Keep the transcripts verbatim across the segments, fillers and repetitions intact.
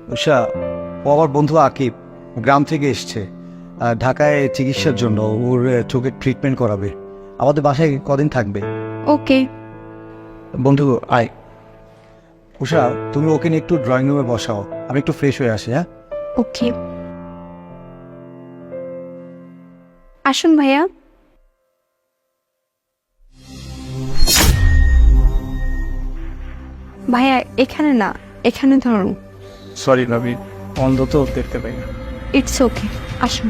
উষা, ও আমার বন্ধু আকিব গ্রাম থেকে এসছে আহ, ঢাকায় চিকিৎসার জন্য। ওর আহ, চোখের ট্রিটমেন্ট করাবে। আমাদের বাসায় কদিন থাকবে। ওকে। বন্ধু আয়। উষা, তুমি ওকে নিয়ে একটু ড্রয়িং রুমে বসাও, আমি একটু ফ্রেশ হয়ে আসি। হ্যাঁ, ওকে, আসুন ভাইয়া। ভাইয়া এখানে না, এখানে ধরুন। সরি ভাবি, অন্ধ তো দেখতে পাই না। ইটস ওকে, আসুন।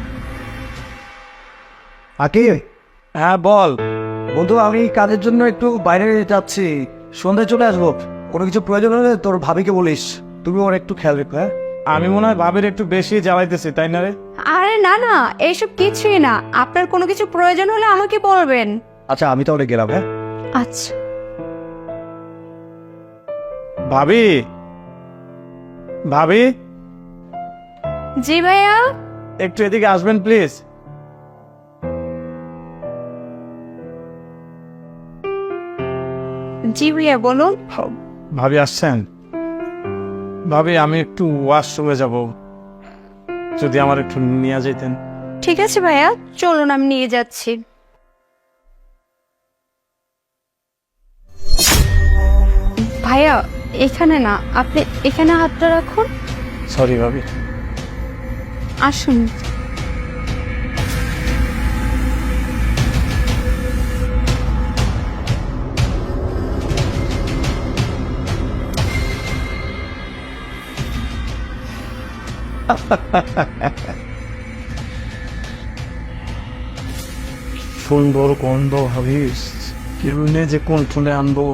আকিব হ্যাঁ বল। বন্ধু, আমি কাজের জন্য একটু বাইরে যাচ্ছি, সন্ধ্যায় চলে আসবো। কোনো কিছু প্রয়োজন হলে তোর ভাবিকে বলিস, তুমি ওর একটু খেয়াল রেখো। হ্যাঁ, আমি মনে হয় ভাবির একটু বেশি জ্বালাইতেছি, তাই না রে? আরে না না, এইসব কিছুই না। আপনার কোনো কিছু প্রয়োজন হলে আমাকে বলবেন। আচ্ছা আমি তাহলে গেলাম। হ্যাঁ, আচ্ছা। ভাবি, ভাবি জি ভাইয়া। একটু এদিকে আসবেন প্লিজ। জি ভাইয়া বলুন। ভাবি আসছেন? ভাবি আমি একটু ওয়াশরুমে যাব, যদি আমার একটু নিয়ে যেতেন। ঠিক আছে ভাইয়া, চলুন আমি নিয়ে যাচ্ছি। ভাইয়া এখানে না, আপনি এখানে হাতটা রাখুন। সরি ভাবি। আসুন। সুন্দর গন্ধ ভাবিস, কিরুনে যে কোন ফোনে আনবো।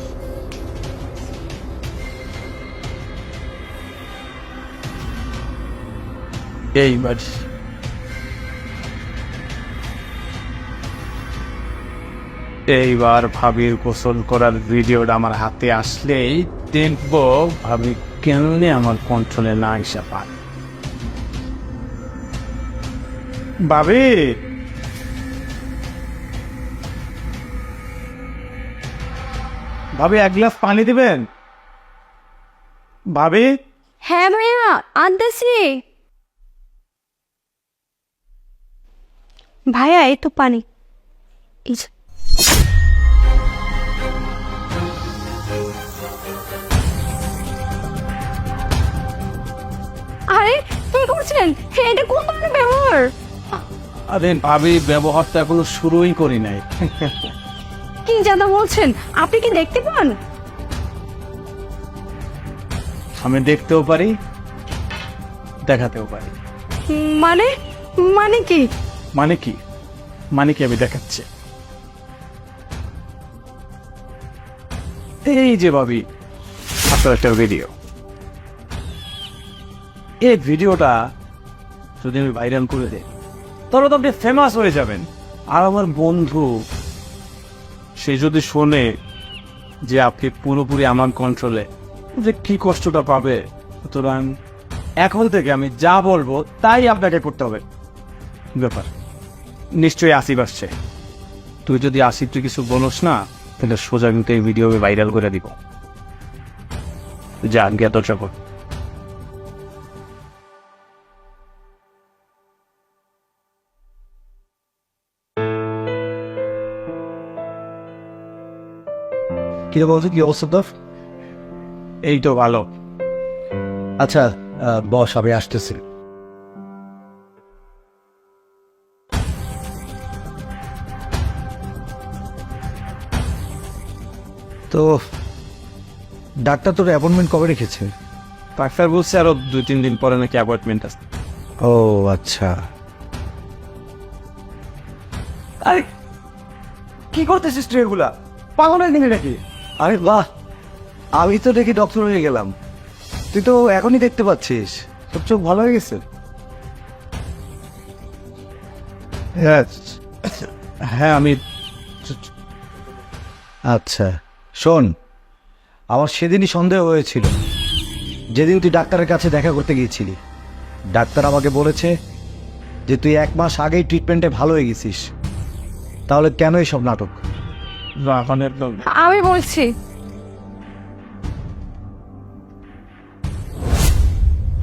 এইবার এইবার ভাবির গোসল করার ভিডিওটা আমার হাতে আসলেই দেখবো ভাবি কেমনে আমার কন্ট্রোলে না এসে পায়। ভাবি, ভাবি এক গ্লাস পানি দিবেন? ভাবি, হ্যাঁ ভাইয়া আনতেছি। ভাইয়া এই তো পানি। এই যে। আরে কি করছেন? এটা কোন ধরনের ব্যবহার? আরে ভাবি, ব্যবহারটা এখনো শুরুই করি নাই। কি জানা বলছেন? আপনি কি দেখতে পান? আমি দেখতেও পারি, দেখাতেও পারি। মানে মানে কি? মানে কি? মানে কি আমি দেখাচ্ছি। এই যে ভাবি, আপনার একটা ভিডিও। এই ভিডিওটা যদি আমি ভাইরাল করে দিই, তাহলে তো আপনি ফেমাস হয়ে যাবেন। আর আমার বন্ধু সে যদি শোনে যে আপনি পুরোপুরি আমার কন্ট্রোলে, যে কি কষ্টটা পাবে। সুতরাং এখন থেকে আমি যা বলবো তাই আপনাকে করতে হবে। ব্যাপার নিশ্চয়ই আসিফ আসছে, তুই যদি আসিফ তুই কিছু বলোস না, তাহলে সোজা কিন্তু এই ভিডিও ভাইরাল করে দিব। যা গিয়ে দরজা কর। কি বলছো, কি অবস্থা তোর? এই তো ভালো। আচ্ছা আহ, বস, আমি আসতেছি। তো ডাক্তার তোর অ্যাপয়েন্টমেন্ট কবে রেখেছে? ডাক্তার বলছে আরো দুই তিন দিন পরে নাকি অ্যাপয়েন্টমেন্ট আছে। ও আচ্ছা। আরে কি করতেছিস তুই এগুলা? পাগলের দিনে নাকি? আরে বাহ, আমি তো দেখি ডক্টর হয়ে গেলাম, তুই তো এখনই দেখতে পাচ্ছিস, তোর চোখ ভালো হয়ে গেছে। হ্যাঁ আমি। আচ্ছা শোন, আমার সেদিনই সন্দেহ হয়েছিল, যেদিন তুই ডাক্তারের কাছে দেখা করতে গিয়েছিলি। ডাক্তার আমাকে বলেছে যে তুই এক মাস আগেই ট্রিটমেন্টে ভালো হয়ে গেছিস, তাহলে কেন এসব নাটক? আমি বলছি।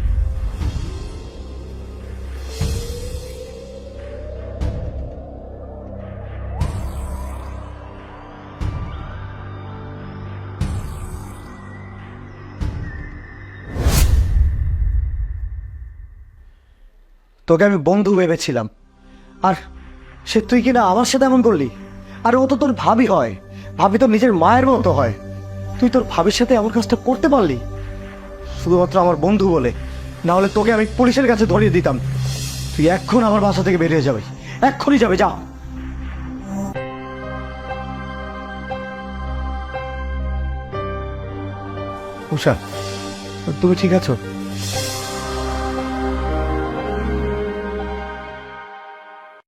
তোকে আমি বন্ধু ভেবেছিলাম, আর সে তুই কিনা আমার সাথে এমন করলি। আর ও তো তোর ভাবি হয়, ভাবি তোর নিজের মায়ের মতো হয়, তুই তোর ভাবির সাথে এমন কাজটা করতে পারলি শুধুমাত্র আমার বন্ধু বলে। না হলে তোকে আমি পুলিশের কাছে ধরিয়ে দিতাম। তুই এক্ষুন আমার বাসা থেকে বেরিয়ে যাবে, এক্ষুনি যাবে, যা। উষা, তুমি ঠিক আছো?